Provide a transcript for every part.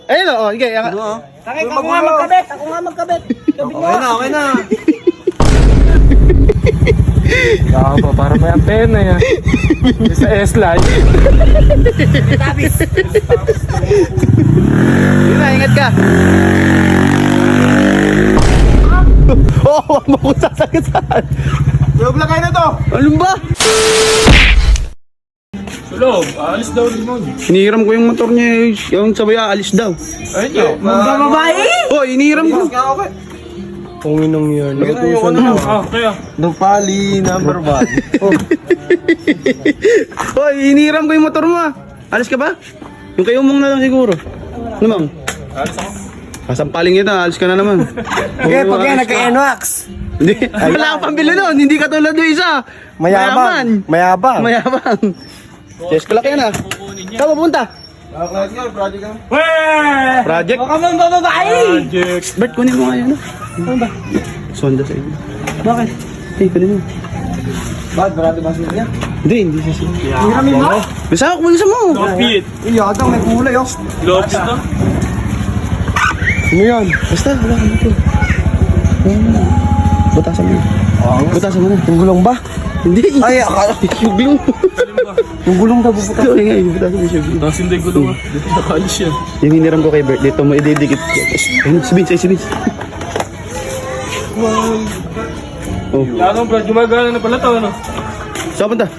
Ayun o, sige. Takay, ako nga magkabit. Ako nga magkabit. Okay na. Kaka pa, para may antena yan. Sa S-Line. Yun na, ingat ka. Oo, wag mo kung sasagasaan. Tulog lang kayo na to. Ano ba? Sulog, alis daw rin nun. Hinihiram ko yung motor niya, yung sabay aalis daw. Ayun nyo. Magbababae! Oh, hinihiram ko. Okay. Punginong yun. Nagutusan na. Kaya. Dupali number 1. Oh, hinihiram ko yung motor mo ah. Alis ka ba? Yung kayo mong na lang siguro. Ano ma'am? Alis ako. Kasampaling kita, alis ka na naman. Okay, pag yan, nagka-NWAX. Hindi, wala kang pambili nun. Hindi ka tulad ng isa. Mayabang. Mayabang. Yes, kalak yan ah. Saan pupunta? Project ka. Weh! Project? Baka mong bababae! Project. Bert, kunin mo nga yan ah. Ano ba? Sonda sa inyo. Bakit? Hey, kunin mo. Bakit? Marami ba sila niya? Hindi siya siya. Hiramin mo? Bisa ako, kunin mo. Kapit. Iyadang may kulay oh. Lobs to. Ano yan? Basta, wala ka dito. Butasan mo. Butasan mo na. Yung gulong ba? Hindi. Ay, akala. Yung gulong. Yung gulong daw bubuta. Ito, nga, yung butasan mo siya. Tapos hindi ko lang. Dito nakaalis yan. Yung hiniram ko kay Bert, dito mo ididikit. Ayun, si Vince, si Vince. Oh, Lalo bro, gumagana na pala to ano. saan punta?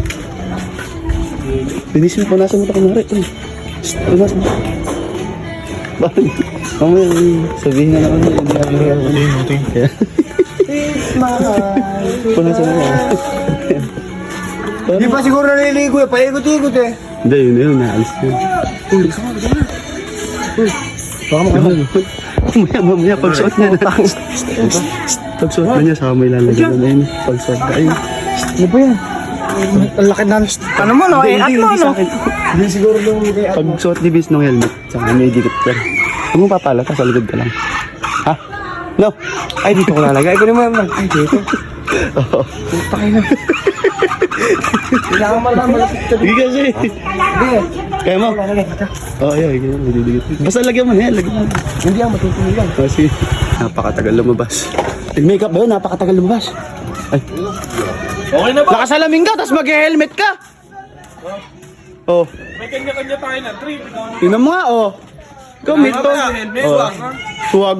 Binisin mo, punasan mo ito kumari. Punasan mo. Bakit? Mamaya, sabihin na naman niya. Hindi namin kaya. Punasan mo. Di pa siguro naliligo eh. Paikot-ikot eh. Hindi, yun, naalis yun. Baka makakalaman. Mamaya, pagsuot niya na. Pagsuot na niya, saka may lalagyan na yun. Pagsuot na, ayun. Ano ba yan? Ang laki na. Ano mo, no? Eh, ano, Hindi sa no? akin. Hindi siguro nung kay Pagsuot ni Vince ng helmet, saka may dikit ka. Huwag mo papalata, sa likod ka lang. Ha? No? Ay, dito ko lalagay. Ikaw naman lang. Ay, dito. Oo. Pakay na. Kailangan malaman malapit ka dito. Hindi kasi. Hindi. Kaya mo? Lalagay ka. Oo, yan. May didikit. Basta lagyan mo na yan. Lagyan mo. Hindi ang matutuloy yan. Kasi, napakatagal lumabas. Nag-makeup ba yun? Napakatagal lumabas. Ay, Okay na ba? nakasalamin ka, tapos mag-helmet ka. Oh, May kanya-kanya tayo na trip. tingnan mo nga, oh. Gamit to. Helmet. Oh. Swag.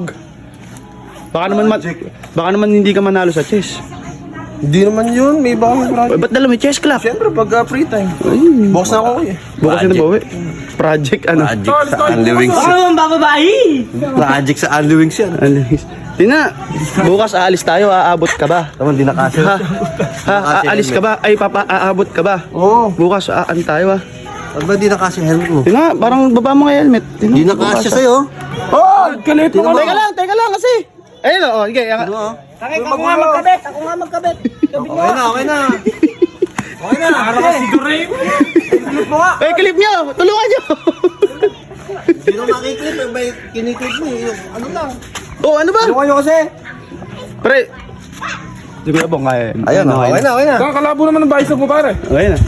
Baka naman hindi ka manalo sa chess. Hindi naman yun. May iba kami project. Ay, ba't dala may chess club? Siyempre, pag free time. Ayun. Box na ako eh. Bukas na bawi. Project ano? Tol, tol. Baka mong bababae! Project sa Andy Wings yan. Tina, bukas aalis tayo, aabot ka ba? Naman, di nakasya. Aalis ka ba? Ay, aabot ka ba? Oo. Bukas, tayo ah. Pag ba di nakasya yung helmet mo? Tina, parang baba mo nga helmet. Tina, Di nakasya bukas, sa'yo. Oh! Galit mo ka Teka lang kasi. Ayun oh, sige. Ano ah? Takay, ako nga magkabit. Ako nga magkabit. Kabit mo. Okay na. Okay na. Para ka si Durem. Ay, clip nyo! Tulungan nyo! Sino makiklip? May kiniklip mo eh. Ano lang? Oh, ano ba? Ano kayo kasi? Pre, hindi ko na bang kaya. Ayan, okay na. Kakalabo naman ng bicep mo pare. Okay na.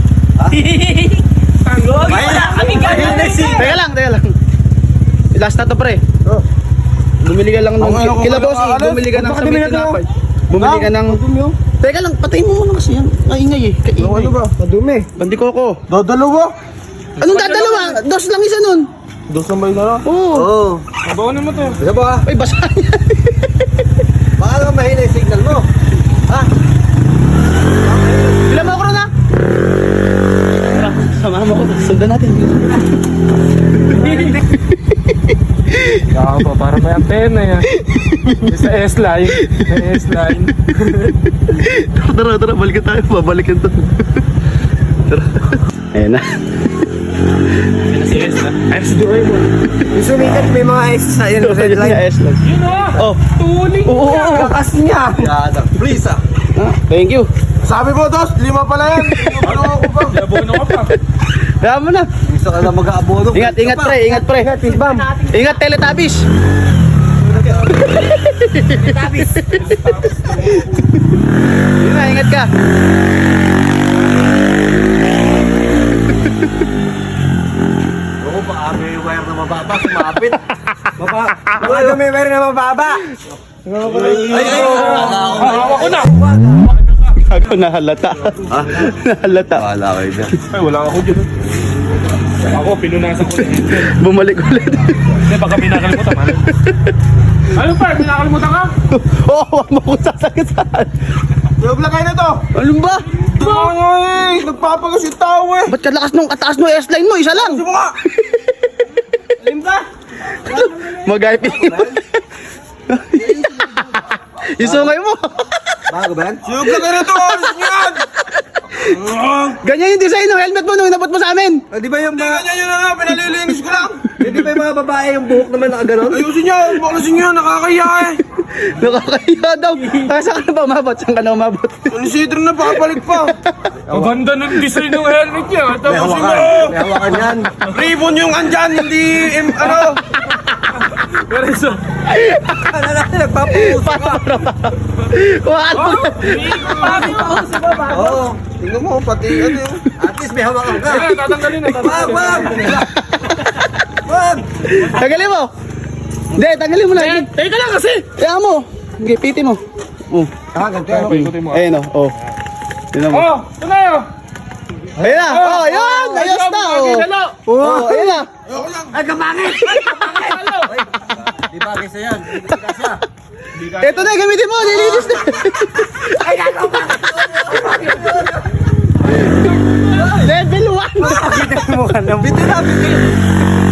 Teka lang. Last na to pre. Oh. Bumili ka lang ng... Ang Kila boss, bumili ka ng Baka sa bumili may ka tinapay. Bumili ka ng... Teka lang, patayin mo muna kasi yan. Kaingay eh. Kaingay. Ano ba? Madumi. Bandi ko ako. Dodalawa. Anong dadalawa? Dos lang isa nun. Dos na ba yung laro? Oo. Oo. Sabawanin mo to. Kaya ba? Ay, basa niya. Baka naman mahina yung signal mo. Ha? Bila mo ako ron ha? Tara, samahan mo ako. Sundan natin. Kaka pa, para may antena yan. Sa S-Line. Sa S-Line. Tara, balikan tayo. Babalikan to. Tara. Ayan na. Si S-Line. Ay, si Durem. Yung sumikat may mga X sa yun. Red line. S lang. Yun ah. Oh. Tuling. Oo. Kakas niya. Yada. Please ah. Thank you. Sabi mo, Dos, 5 pala yan. Ano ako pa? Labono ka pa. Kaya mo na. Gusto ka na mag-aabono. Ingat pre. Ingat, Bam. Ingat, Teletubbies. Tabis. Yun na, ingat ka. Oo, baka Baka may wire na mababa, sumapit. Baka may wire na mababa. Hawak ko na! Ako nahalata. Nahalata. Wala kayo dyan. Ay, wala ako dyan. Ako, pinunasan ko na yun. Bumalik ulit. Hindi, baka may nakalimutan, man. Ano pa? May nakalimutan ka? Oo, huwag mo kong sasagasaan. Yung lagay na to. Ano ba? Nagpapagas yung tao eh. Ba't kalakas nung kataas no S-line mo? Isa lang. Ano nga? Alin ba? Mag-IP mo. Isungay mo. Bago ba yan? Yung lagay na to. Alis nyo yan. Ganyan yung design ng helmet mo nung inabot mo sa amin. Di ba yung mga... Ganyan yun na nga, pinalilinis ko lang. Di ba yung mga babae yung buhok naman nakaganon? Ayusin nyo, baklasin nyo, nakakaya eh. Nakakahiya daw. Saan ka na ba umabot? Saan ka na umabot? Consider na papalik pa. Maganda ng design ng helmet niya. May hawakan. May hawakan yan. Ribbon yung andyan, hindi ano. Pero so, Ano na, nagpapuso ka. Wala mo. Oo. Tingnan mo, pati ano yung... At least may hawakan ka. kaya tatanggalin na. Wag, wag. Wag. Tanggalin mo. Hindi, tanggalin mo na. Teka lang kasi. Kaya mo. Sige, piti mo. Oh. Ganito. Paikutin mo. Ayun o. Oh. Tignan mo. Oh, ito na yun. Ayun na. Oh, ayun. Ayos na. Oh. Oh, ayun na. Ay, kapangit! Di bagay sa yan. Di bagay sa. Ito na, gamitin mo. Nilinis na. Ay, gano'n ba? Level 1. Kita mo ka naman. Bitin na, bitin.